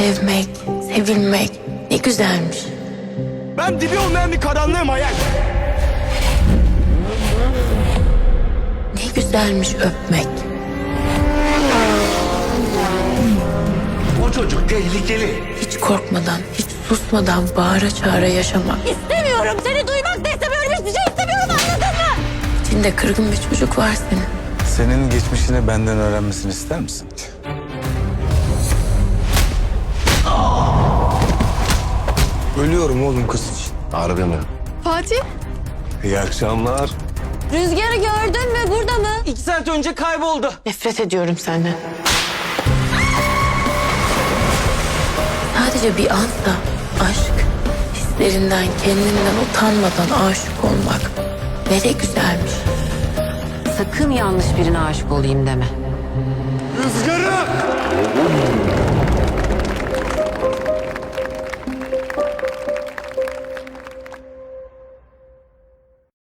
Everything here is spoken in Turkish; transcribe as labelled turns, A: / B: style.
A: Sevmek, sevilmek ne güzelmiş.
B: Ben dibi olmayan bir karanlığım hayal.
A: Ne güzelmiş öpmek.
C: O çocuk tehlikeli.
A: Hiç korkmadan, hiç susmadan bağıra çağıra yaşamak.
D: İstemiyorum, seni duymak da istemiyorum, hiçbir şey istemiyorum, anladın mı?
A: İçinde kırgın bir çocuk var senin.
E: Senin geçmişini benden öğrenmesini ister misin? Ölüyorum oğlum kız için.
C: Harbi mi?
D: Fatih,
E: İyi akşamlar.
D: Rüzgar'ı gördün mü, burada mı?
B: 2 saat önce kayboldu.
A: Nefret ediyorum senden. Sadece bir ansa aşk, hislerinden, kendinden utanmadan aşık olmak ne de güzelmiş.
F: Sakın yanlış birine aşık olayım deme.
C: Rüzgarı!